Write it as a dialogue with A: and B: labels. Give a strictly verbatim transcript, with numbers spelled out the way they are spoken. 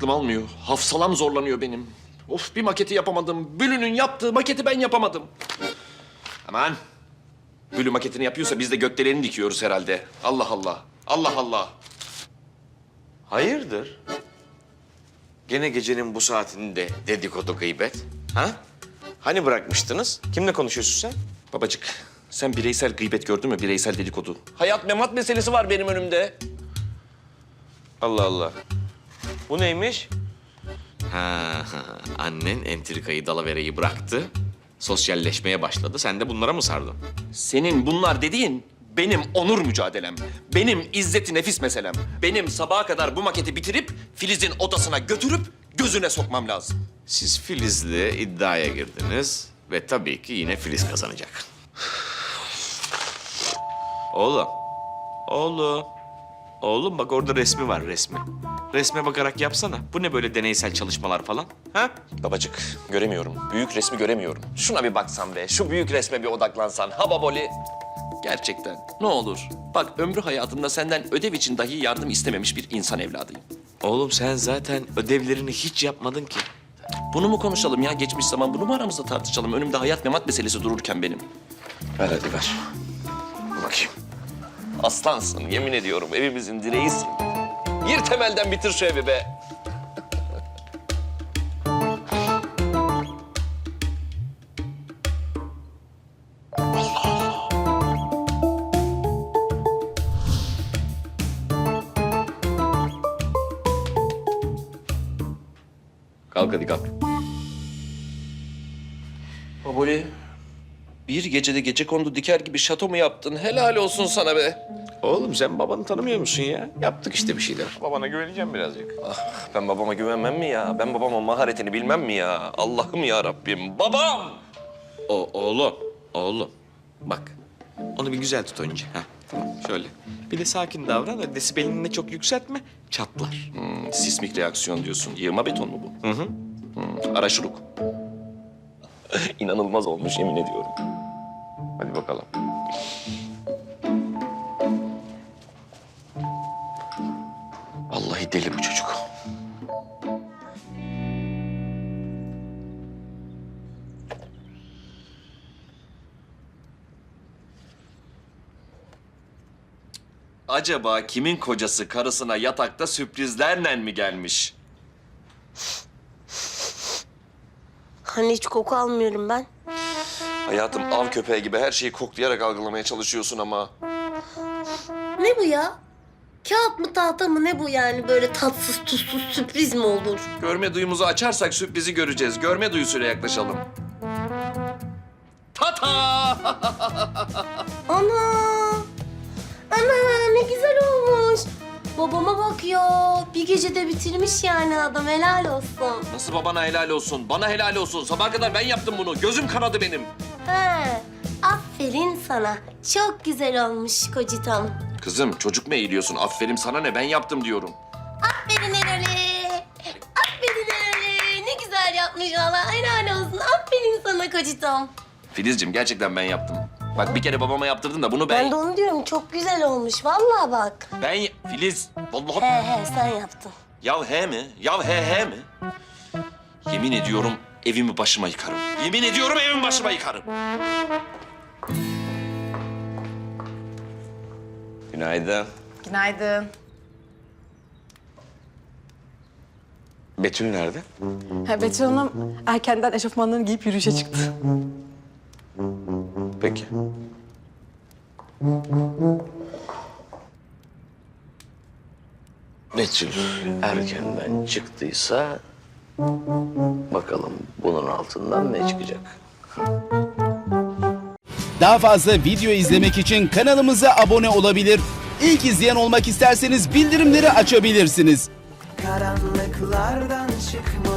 A: aklım almıyor. Hafsalam zorlanıyor benim. Of, bir maketi yapamadım. Bülü'nün yaptığı maketi ben yapamadım. Aman. Bülü maketini yapıyorsa biz de gökdeleni dikiyoruz herhalde. Allah Allah. Allah Allah.
B: Hayırdır? Gene gecenin bu saatinde dedikodu gıybet. Ha? Hani bırakmıştınız? Kimle konuşuyorsun sen?
A: Babacık, sen bireysel gıybet gördün mü? Bireysel dedikodu. Hayat memat meselesi var benim önümde.
B: Allah Allah. Bu neymiş? Ha, annen entrikayı dalavereyi bıraktı. Sosyalleşmeye başladı. Sen de bunlara mı sardın?
A: Senin bunlar dediğin benim onur mücadelem. Benim izzeti nefis meselem. Benim sabaha kadar bu maketi bitirip Filiz'in odasına götürüp gözüne sokmam lazım.
B: Siz Filiz'le iddiaya girdiniz ve tabii ki yine Filiz kazanacak. Oğlum, oğlum, oğlum bak orada resmi var resmi. Resme bakarak yapsana. Bu ne böyle deneysel çalışmalar falan? Ha?
A: Babacık, göremiyorum. Büyük resmi göremiyorum. Şuna bir baksan be, şu büyük resme bir odaklansan. Ha baboli. Gerçekten, ne olur. Bak, ömrü hayatımda senden ödev için dahi yardım istememiş bir insan evladıyım.
B: Oğlum sen zaten ödevlerini hiç yapmadın ki.
A: Bunu mu konuşalım ya? Geçmiş zaman bunu mu aramızda tartışalım? Önümde hayat memat meselesi dururken benim.
B: Ver hadi ver. Bakayım.
A: Aslansın, yemin ediyorum. Evimizin direğisin. Gir temelden bitir şu evi be. Kalk hadi kalk. Baboli, bir gecede gecekondu diker gibi şato mu yaptın? Helal olsun sana be.
B: Oğlum sen babanı tanımıyor musun ya? Yaptık işte bir şeyler. Babana güveneceğim birazcık.
A: Ben babama güvenmem mi ya? Ben babamın maharetini bilmem mi ya? Allah'ım ya Rabbim. Babam!
B: O oğlum, oğlum. Bak, onu bir güzel tut önce. Heh, tamam, şöyle. Bir de sakin davran ve desibelini de çok yükseltme, çatlar.
A: Hmm, sismik reaksiyon diyorsun. Yığma beton mu bu?
B: Hı hı.
A: Hmm, araşuruk. İnanılmaz olmuş yemin ediyorum.
B: Hadi bakalım.
A: Vallahi deli bu çocuk. Acaba kimin kocası karısına yatakta sürprizlerle mi gelmiş?
C: Hani hiç koku almıyorum ben.
A: Hayatım, av köpeği gibi her şeyi koklayarak algılamaya çalışıyorsun ama.
C: Ne bu ya? Kağıt mı tahta mı ne bu yani böyle tatsız tuzsuz sürpriz mi olur?
A: Görme duyumuzu açarsak sürprizi göreceğiz. Görme duyusuyla yaklaşalım. Tata!
C: Ana! Ana ne güzel olmuş. Babama bak ya. Bir gecede bitirmiş yani adam helal olsun.
A: Nasıl babana helal olsun? Bana helal olsun. Sabaha kadar ben yaptım bunu. Gözüm kanadı benim.
C: He, aferin sana. Çok güzel olmuş kocitam.
A: Kızım, çocuk mu eğiliyorsun? Aferin sana ne? Ben yaptım diyorum.
C: Aferin Erol'e. Aferin Erol'e. Ne güzel yapmış valla. Helal olsun. Aferin sana kocitam.
A: Filizciğim, gerçekten ben yaptım. Bak, bir kere babama yaptırdın da bunu ben...
C: Ben de onu diyorum. Çok güzel olmuş. Vallahi bak.
A: Ben... Filiz, vallahi...
C: He he sen yaptın.
A: Ya he mi? Ya he he mi? Yemin ediyorum evimi başıma yıkarım. Yemin ediyorum evimi başıma yıkarım.
B: Günaydın.
D: Günaydın.
B: Betül nerede?
D: Ha, Betül Hanım erkenden eşofmanlarını giyip yürüyüşe çıktı.
B: Peki.
E: Betül erkenden çıktıysa bakalım bunun altından ne çıkacak?
F: Daha fazla video izlemek için kanalımıza abone olabilir. İlk izleyen olmak isterseniz bildirimleri açabilirsiniz.
G: Karanlıklardan çıkmalı